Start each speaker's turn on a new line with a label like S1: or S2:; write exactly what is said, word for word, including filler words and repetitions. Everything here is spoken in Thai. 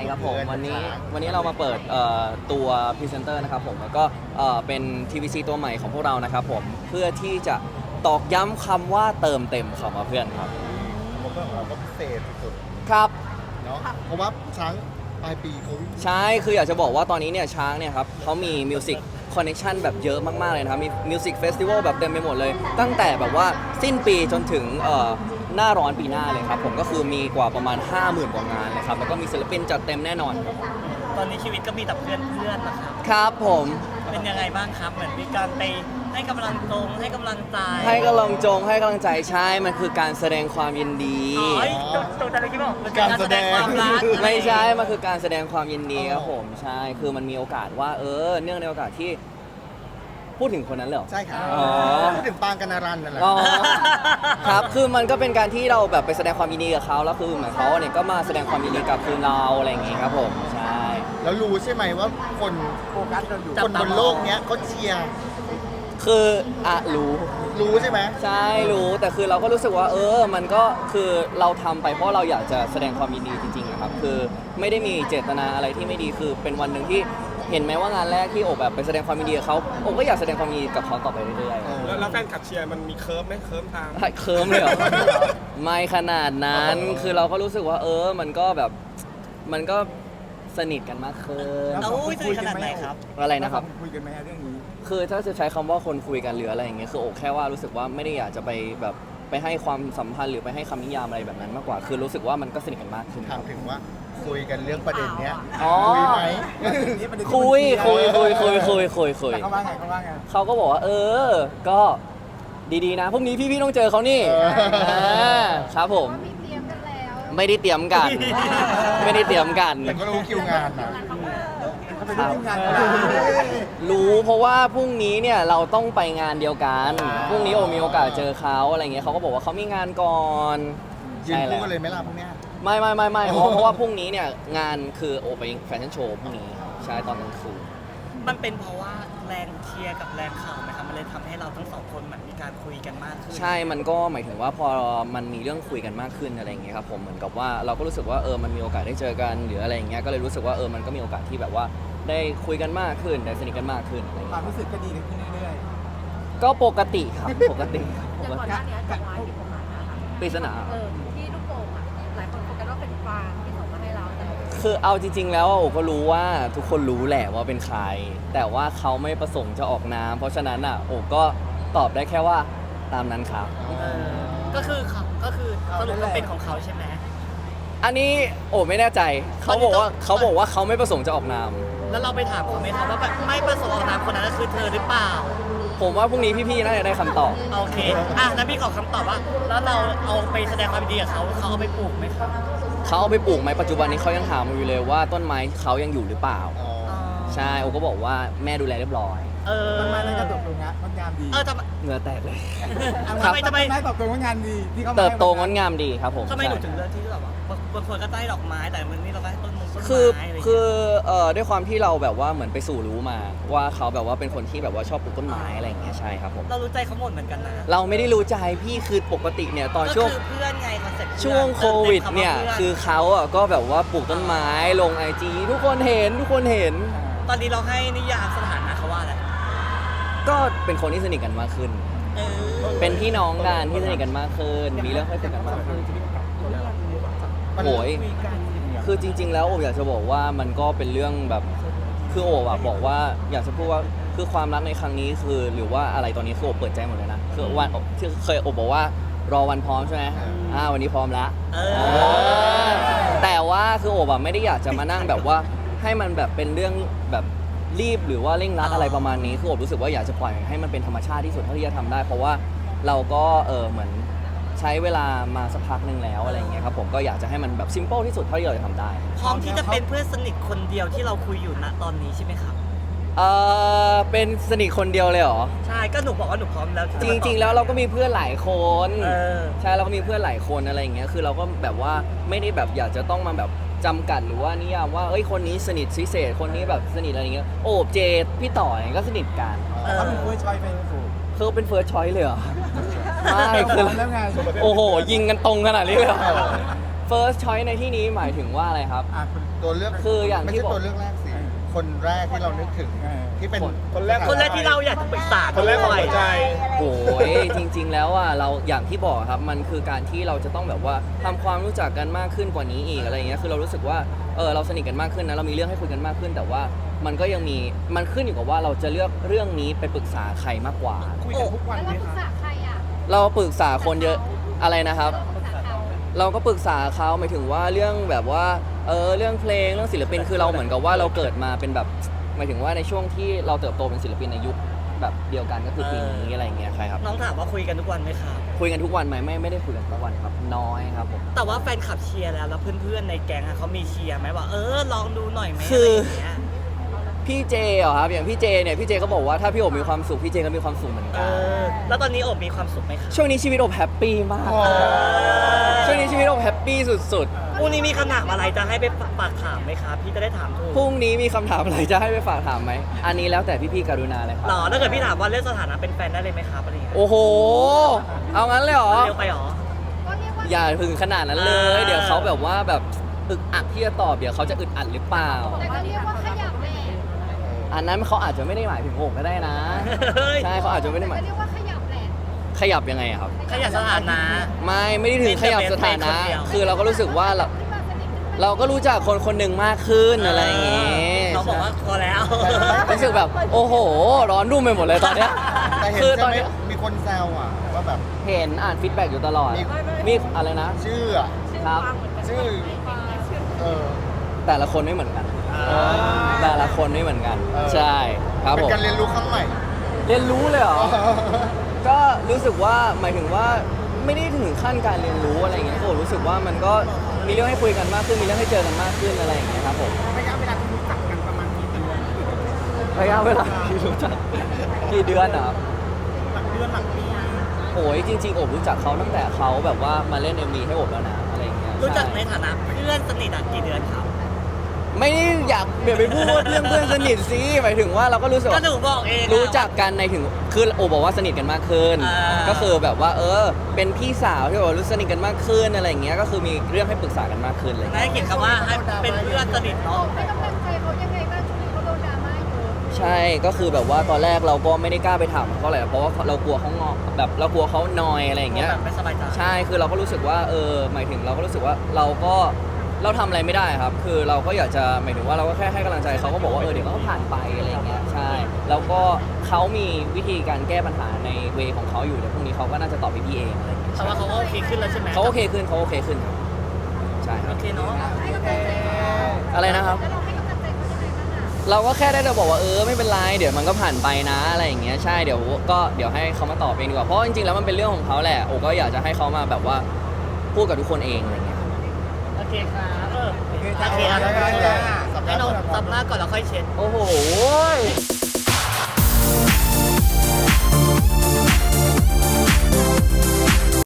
S1: ครับผม
S2: เพื่อน
S1: วันนี้
S2: ช้าง
S1: วันนี้เรามาเปิดเอ่อตัวพรีเซนเตอร์นะครับผมแล้วก็เอ่อเป็น ที วี ซี ตัวใหม่ของพวกเรานะครับผมเพื่อที่จะตอกย้ำคำว่าเติมเต็มคำว่าเพื่อนครับ
S2: ผมว่าของเราก็พิเศษสุด
S1: ครับ
S2: ๆเนาะเพราะว่าช้างปลายปีเขา
S1: ใช่คืออยากจะบอกว่าตอนนี้เนี่ยช้างเนี่ยครับเขามีมิวสิกคอนเน t ชันแบบเยอะมาก ๆ เลยนะครับ มีมิวสิกเฟสติวัลแบบเต็มไปหมดเลย ตั้งแต่แบบว่าสิ้นปีจนถึงเอ่อหน้าร้อนปีหน้าเลยครับผมก็คือมีกว่าประมาณ ห้าหมื่น กว่างานเลยครับแล้วก็มีศิลปินจัดเต็มแน่นอนครับ
S3: ตอนนี้ชีวิตก็มีแต่เพื่อนเพื่อนๆนะครับ
S1: ครับผม
S3: เป็นยังไงบ้างครับ เหมือนมีการไปให้กำลังตรงให้กำลังใจ
S1: ให้กำลังจงให้กำลังใจใช่มันคือการแสดงความยินดี
S3: อ๋อตัวตัวอะไรที่บอกมันเป็นการแสดงความรัก
S1: ไม่ใช่ มันคือการแสดงความยินดีครับผม ใช่ คือมันมีโอกาสว่า เออ เนื่องในโอกาสที่พูดถึงคนนั้นเลยเหรอ
S2: ใช่ครับ
S1: อ๋อ
S2: พูดถึงปางกันนารันนั่นแหละ
S1: อ๋อ ครับ คือมันก็เป็นการที่เราแบบไปแสดงความยินดีกับเขาแล้วคือเหมือนเขาเนี่ยก็มาแสดงความยินดีกับคือเราอะไรอย่างงี้ครับผม ใช่
S2: แล้วรู้ใช่ไหมว่าคนโฟกัสเราอยู่คนบนโลกเนี้ยเขาเชียร์
S1: คืออ่ะรู้
S2: รู้ใช่ไหม
S1: ใช่รู้แต่คือเราก็รู้สึกว่าเออมันก็คือเราทำไปเพราะเราอยากจะแสดงความยินดีจริงๆนะครับคือไม่ได้มีเจตนาอะไรที่ไม่ดีคือเป็นวันหนึ่งที่เห็นไหมว่างานแรกที่โอบแบบไปแสดงความยินดีกับเขาโอบก็อยากแสดงความยินดีกับเขาต่อไปเรื่อย
S2: เออ
S4: แล้วแล้วแฟนคลับเชียร์มันมีเคิร์ฟไหมเคิร์ฟตาม
S1: ๆเคิร์มเลยเหรอ ไม่ขนาดนั้น คือเราก็รู้สึกว่าเออมันก็แบบมันก็สนิทกันมากขึ้น
S3: เอาอุ้ยสนิทขนาดไหนครับ
S1: อะไรนะครับ
S5: คุยกันไหมเรื่องนี้
S1: คือถ้าจะใช้คำว่าคนคุยกันหรืออะไรอย่างเงี้ยคือโอกแค่ว่ารู้สึกว่าไม่ได้อยากจะไปแบบไปให้ความสัมพันธ์หรือไปให้คำนิยามอะไรแบบนั้นมากกว่า คือรู้สึกว่ามันก็สนิทกันมากขึ้น
S2: ถามถึงว่าคุยกันเรื่องประเด็นเนี้ย
S1: อ๋อ
S2: คุยไหม
S1: คุยคุยคุยคุยคุยคุยคุย
S5: แต่เขาว่าไงเขาว่าไง
S1: เขาก็บอกว่า เออ ก็ดีๆนะพรุ่งนี้พี่ๆต้องเจอเขานี่
S2: เอออ่
S1: าครับผม
S6: มีเตรียมกันแล้ว
S1: ไม่ได้เตรียมกัน ไม่ได้เตรียมกัน
S2: แต่ก็รู้คิวงานนะ
S5: เขาเป็นทีมงานกัน
S1: รู้เพราะว่าพรุ่งนี้เนี่ยเราต้องไปงานเดียวกัน
S2: อ่า
S1: พรุ่งนี้โอมีโอกาสเจอเขาอะไรเงี้ยเขาก็บอกว่าเขามีงานก่อน
S2: ยืน
S1: ใช่แล้
S2: คู่
S1: ว
S2: กันเลยไหมล่ะพวกเนี้ย
S1: ไม่ไม่ไม่ไม่เพราะเพราะว่าพรุ่งนี้เนี่ยงานคือโอไปแฟชั่นโชว์พรุ่งนี้ใช่ตอนกลางคืน
S3: มันเป็นเพราะว่าแรงเชียร์กับแรงข่าวนะครับมันเลยทำให้เราทั้งสองคนเหมือนมีการคุยกันมากขึ้น
S1: ใช่มันก็หมายถึงว่าพอมันมีเรื่องคุยกันมากขึ้นอะไรอย่างเงี้ยครับผมเหมือนกับว่าเราก็รู้สึกว่าเออมันมีโอกาสได้เจอกันหรืออะไรอย่างเงี้ยก็เลยรู้สึกว่าเออมันก็มีโอกาสที่แบบว่าได้คุยกันมากขึ้นได้สนิทกันมากขึ้นอะไรอย่าง
S5: ค
S1: เงี้
S5: วาม
S1: ย
S5: รู้สึกก็ดีขึ้นเรื่อย
S1: ก็ปกติครับปกติครับป
S6: อย่าง
S1: ก
S6: ก่อน
S1: ติ
S6: หน้านี้ดอกไม้ผิดกฎหมายนะคะ
S1: ปริศนา
S6: เออที่ลูกโป่งอ่ะหลายคนโฟกัสว่าเป็นฟางที่ส่งมาให้เราแต่
S1: คือเอาจริง ๆ แล้วโอก็รู้ว่าทุกคนรู้แหละว่าเป็นใคร แต่ว่าเขาไม่ประสงค์จะออกนามเพราะฉะนั้นอ่ะโอก็ตอบได้แค่ว่าตามนั้นครับ
S3: เออก็คือเขาก็คือสรุปว่าเป็นของเขาใช่ไหม
S1: อันนี้โอ้ไม่แน่ใจเขาบอกว่าเขาบอกว่าเขาไม่ประสงค์จะออกนาม
S3: แล้วเราไปถามเขาไหมครับว่าแบบไม่ประสงค์ออกนามคนนั้นก็คือเธอหรือเปล่า
S1: ผมว่าพรุ่งนี้พี่ๆน่าจะได้คำตอบ
S3: โอเค อ่ะแล้วพี่ขอคำตอบว่า แล้วเราเอาไปแสดงความยินดีกับเขาเขาเอาไปปลูกไหมครับ
S1: เขาเอาไปปลูกไหมปัจจุบันนี้เขายังถามอยู่เลยว่าต้นไม้เขายังอยู่หรือเปล่า
S2: อ๋อ
S1: ใช่โอก็บอกว่าแม่ดูแลเรียบร้อย
S3: เออ
S5: ๆต้นไม้นั้นก็เติบโตงะงดงามดี
S3: เออทำไม
S1: เหงื่อแตกเลย
S3: ทำไมทำไม
S5: ต้นไม้เติบโตงดงามดีที่เขามา
S1: เติบโตง
S5: ให้
S1: ดงามดีครับผม
S3: ทำไมหนู
S1: ใช่
S3: ถึงเลือกที่จะแบบว่าบางคนก็ได้ดอกไม้แต่วันนี้เราก็ให้ต้นมงต้นไม้
S1: คือ
S3: อะไรอย่าง
S1: คื
S3: เงี้ย
S1: อเอ่อด้วยความที่เราแบบว่าเหมือนไปสู่รู้มา ว่าเขาแบบว่าเป็นคนที่แบบว่าชอบปลูกต้นไม้อะไรอย่างเงี้ยใช่ครับผม
S3: เรารู้ใจเขาหมดเหมือนกันนะ
S1: เราไม่ได้รู้ใจพี่คือปกติเนี่ยตอน
S3: ก็
S1: ช่วง
S3: คือเพื่อนไงคอนเซ็ปต์
S1: ช่วงโควิดเนี่ยคือเขาอ่ะก็แบบว่าปลูกต้นไม้ลงไอจีทุกคนเห็นทุกคนเห็น
S3: ตอนนี้เราให้นิยามสถานะเขาว่าอะไร
S1: ก็เป็นคนที่สนิทกันมากขึ้น
S3: เออ
S1: เป็นพี่น้องกันที่สนิทกันมากขึ้น มีเรื่องให้คุยกันมากขึ้น
S2: มัน
S1: โอ้ยคือจริง ๆ แล้วโอบอยากจะบอกว่ามันก็เป็นเรื่องแบบคือโอบอะบอกว่าอยากจะพูดว่าคือความรักในครั้งนี้คือหรือว่าอะไรตอนนี้คือโอบเปิดใจหมดเลยนะคือวันที่เคยโอบบอกว่ารอวันพร้อมใช่ไหมอ่าวันนี้พร้อมแล้ว
S3: เอ
S1: เอ
S3: อ
S1: อแต่ว่าคือโอบอะไม่ได้อยากจะมานั่งแบบว่าให้มันแบบเป็นเรื่องแบบรีบหรือว่าเร่งรัดอะไรประมาณนี้คือโอบรู้สึกว่าอยากจะปล่อยให้มันเป็นธรรมชาติที่สุดเท่าที่จะทำได้ เพราะว่าเราก็เออเหมือนใช้เวลามาสักพักหนึ่งแล้วอะไรอย่างเงี้ยครับผมก็อยากจะให้มันแบบซิมเปิลที่สุดเท่าที่เราจะทำได้
S3: พร้อมที่จะเป็นเพื่อนสนิทคนเดียวที่เราคุยอยู่ณตอนนี้ใช่ไหมครับ
S1: เออเป็นสนิทคนเดียวเลยเหรอ
S3: ใช่ก็หนูบอกว่าหนูพร้อมแล้วที่
S1: จ
S3: จะมาตอบ
S1: ริง ๆ แล้วเราก็มีเพื่อนหลายคน
S3: เออ
S1: ใช่เราก็มีเพื่อนหลายคนอะไรอย่างเงี้ยคือเราก็แบบว่าไม่ได้แบบอยากจะต้องมาแบบจำกัดหรือว่านิยามว่าเอ้ยคนนี้สนิทพิเศษคนนี้แบบสนิทอะไรอย่างเงี้ยโอบเจดพี่ต่อยก็สนิทกัน
S3: เออ
S5: เขาเป็นผู้ช่วยเป็นผู้
S1: คือเป็นเฟิร์สชอยเลยเหรอ ไม่
S5: พ
S1: คือ
S5: ร้อมแล้วไง
S1: โอ้โหยิงกันตรงขนาดนี้เลยเหรอ first choice ในที่นี้หมายถึงว่าอะไรครับ
S5: อ่ะคุณ
S2: ตัวเลือก
S1: คืออย่างที่
S2: ไม่ใช่
S1: บอก
S2: ตัวเลือกแรกสิคนแรกที่เรานึกถึง
S5: เออ
S2: ที่เป็น
S4: คนแรก
S3: คนแรกที่เราอยากจะปรึกษา
S4: คนแรกของหัวใจ
S1: โอ้ยจริง ๆ แล้วอ่ะเราอย่างที่บอกครับมันคือการที่เราจะต้องแบบว่าทำความรู้จักกันมากขึ้นกว่านี้อีกอะไรอย่างเงี้ยคือเรารู้สึกว่าเออเราสนิทกันมากขึ้นนะเรามีเรื่องให้คุยกันมากขึ้น แต่ว่ามันก็ยังมีมันขึ้นอยู่กับว่าเราจะเลือกเรื่องนี้ไปปรึกษาใครมากกว่า
S3: คุยกันทุกวัน
S6: แล้ว
S3: ไหม
S6: เราปรึก
S3: คะ
S6: ษาใครอ่ะ
S1: เราปรึกษาคนเยอะอะไรนะครับ
S6: เราปรึกษาเขา
S1: เราก็ปรึกษาเขาหมายถึงว่าเรื่องแบบว่าเออเรื่องเพลงเรื่องศิลปินคือเราเหมือนกับว่าเราเกิดมาเป็นแบบหมายถึงว่าในช่วงที่เราเติบโตเป็นศิลปินในยุคแบบเดียวกันก็คือปีนี้อะไรอย่างเงี้ยใช่ครับ
S3: น้องถามว่าคุยกันทุกวันไหมครับ
S1: คุยกันทุกวันไหมไม่ไม่ได้คุยกันทุกวันครับน้อยครับผม
S3: แต่ว่าแฟนคลับเชียร์แล้วแล้วเพื่อนๆในแก๊งอะเขามีเชียร์ไหมว่าเออลองดูหน่อยไหม
S1: คือ
S3: อะไรอย่างเงี้ย
S1: พี่เจเหรอครับอย่างพี่เจเนี่ยพี่เจก็บอกว่าถ้าพี่โอบมีความสุขพี่เจก็มีความสุขเหมือน
S3: เอ
S1: กัน
S3: อแล้วตอนนี้โอบมีความสุขไหมครับ
S1: ช่วงนี้ชีวิตโอบแฮปปี้มาก
S2: อ๋อ
S1: ช่วงนี้ชีวิตโอบแฮปปี้สุด
S3: พรุ่งนี้มีคำถามอะไรจะให้ไปฝากถามไหมครับพี่จะได้ถามถูก
S1: ๆพรุ่งนี้มีคำถามอะไรจะให้ไปฝากถามไหมอันนี้แล้วแต่พี่ๆกรุณาเลยครั
S3: หรอถ้าเกิดพี่ถามว่าเรื่องสถานะเป็นแฟนได้เลยไหมครับอะไรอย่างเงี้ย
S1: โอ้โหเอางั้นเลยเหรอ
S3: เร็วไปหรอ
S6: ก็เรียกว่า
S1: อย่าถึงขนาดนั้นเลย
S3: อ่า
S1: เดี๋ยวเขาแบบว่าแบบอึกอักที่จะตอบเดี๋ยวเขาจะอึดอัดหรือเปล่า
S6: แต่ก็เรียกว่าขยับแหละ
S1: อันนั้นเขาอาจจะไม่ได้หมายถึงโอบก็ได้นะ
S3: เฮ้ย
S1: ใช่เขาอาจจะไม่ได้ห
S6: แต่
S1: มาย
S6: ก็เรียกว่าขยับแหละ
S1: ขยับยังไงอะครับ
S3: ขยับสถานะ
S1: ไม่ไม่ได้ถึงขยับสถานะ
S3: เป็นคนเดียว
S1: คือเราก็รู้สึกว่าเรา
S6: ขึ้นมาสนิทขึ้นมา
S1: เราก็รู้จักคนคนหนึ่งมากขึ้นอะไรอย่างเงี้ย
S3: เขาบอกว่าพอแล้ว
S1: รู้สึกแบบโอ้โห ร้อนรุ่มไปหมดเลยตอนเนี้ย
S2: แต่เห็น
S1: คือต
S2: ใช่
S1: อน
S2: ไหม
S1: เนี้ย
S2: มีคนแซวอ่ะว่าแบบ
S1: เห็นอ่านฟีดแบ็กอยู่ตลอด
S2: มี
S1: มีอะไรนะ
S2: ชื่ออ่ะ
S1: ครับ
S2: ชื่อเออ
S1: แต่ละคนไม่เหมือนกัน
S2: เออ
S1: แต่ละคนไม่เหมือนกัน
S2: เออ
S1: ใช่ครับ
S2: เป็
S1: ผม
S2: นการเรียนรู้ครั้งใหม่
S1: เรียนรู้เลยเหรอ ก็รู้สึกว่าหมายถึงว่าไม่ได้ถึงขั้นการเรียนรู้อะไรอย่างเงี้ยก็รู้สึกว่ามันก็มีเรื่องให้คุยกันมากขึ้นมีเรื่องให้เจอกันมากขึ้นอะไรอย่างเงี้ยครับผม
S5: ระยะเวลาที่รู้จักกันประมาณกี่เดือน
S1: ระยะเวลาที่รู้จักกี่เดือนอะครับ
S5: หลักเดือนหลักปี
S1: โอ้ยจริงๆโอบรู้จักเขาตั้งแต่เขาแบบว่ามาเล่น เอ็ม วี ให้โอบแล้วนะอะไรอย่างเงี้ย
S3: รู้จักใน
S1: ช่
S3: ฐานะเพื่อนสนิทอะกี่เดือนครับ
S1: ไม่ได้อยากเปลี่ยนไปพูดเรื่องเพื่อนสนิทสิหมายถึงว่าเราก็รู้สึก
S3: ก็
S1: ว่า
S3: หนูบอกเองอะ
S1: รู้จักกันในถึงคือโอบบอกว่าสนิทกันมากขึ้น
S3: อ่า
S1: ก็คือแบบว่าเออเป็นพี่สาวที่แบบว่ารู้สนิทกันมากขึ้นอะไรอย่างเงี้ยก็คือมีเรื่องให้ปรึกษากันมากขึ้นอะไรอย่าง
S3: ได้
S1: เงี้ย
S3: เขียนคำว่าให้เป็นเพื่อนสนิท
S6: โอ้
S3: เนาะ
S6: ให้กำลังใจเขายังไงบ้างช่วงนี้เขาโดนดราม่าอยู่
S1: ใช่ก็คือแบบว่าตอนแรกเราก็ไม่ได้กล้าไปถามเขาเลยเพราะว่าเรากลัวเขางอแบบเรากลัวเขานอยอะไรอย่างเงี้ย
S3: แบบไม่สบายใจ
S1: ใช่ คือเราก็รู้สึกว่า เออ หมายถึงเราก็รู้สึกว่าเราก็เราทำอะไรไม่ได้ครับ คือเราก็อยากจะหมายถึงว่าเราก็แค่ให้กำลังใจเขาก็บอกว่า เออ เดี๋ยวเขาก็ผ่านไปอะไรอย่างเงี้ย ใช่ แล้วก็เขามีวิธีการแก้ปัญหาในเวของเขาอยู่ เดี๋ยวพรุ่งนี้เขาก็น่าจะตอบพี่ๆเองอะไรอย่างเงี้ย
S3: แต่ว่าเขาก็โอเคขึ้นแล้วใช่ไหม
S1: เขาโอเคขึ้นเขาโอเคขึ้นครับใช่ครั
S3: โอบ เคเนาะ
S6: ให้กำลังใจเขา
S1: อะไรนะครับ
S6: แล้วเราให้กำลังใจเขายังไงบ้างอ่ะ
S1: เราก็แค่ได้แต่บอกว่าเออไม่เป็นไรเดี๋ยวมันก็ผ่านไปนะอะไรอย่างเงี้ยใช่เดี๋ยวก็เดี๋ยวให้เขามาตอบเองดีกว่าเพราะจริงๆแล้วมันเป็นเรื่องของเขาแหละโอก็อยากจะให้เขามาแบบว่าพูดกับทุกคนเองอะไรเงี้ย
S3: โอเคครับเออ
S5: โอเค
S3: โอ
S5: จ้า
S3: เคครับ
S5: ได้ได้
S3: ให้น้องซับหน้าก่อนแล้วค่อยเช็ด
S1: โอ้โห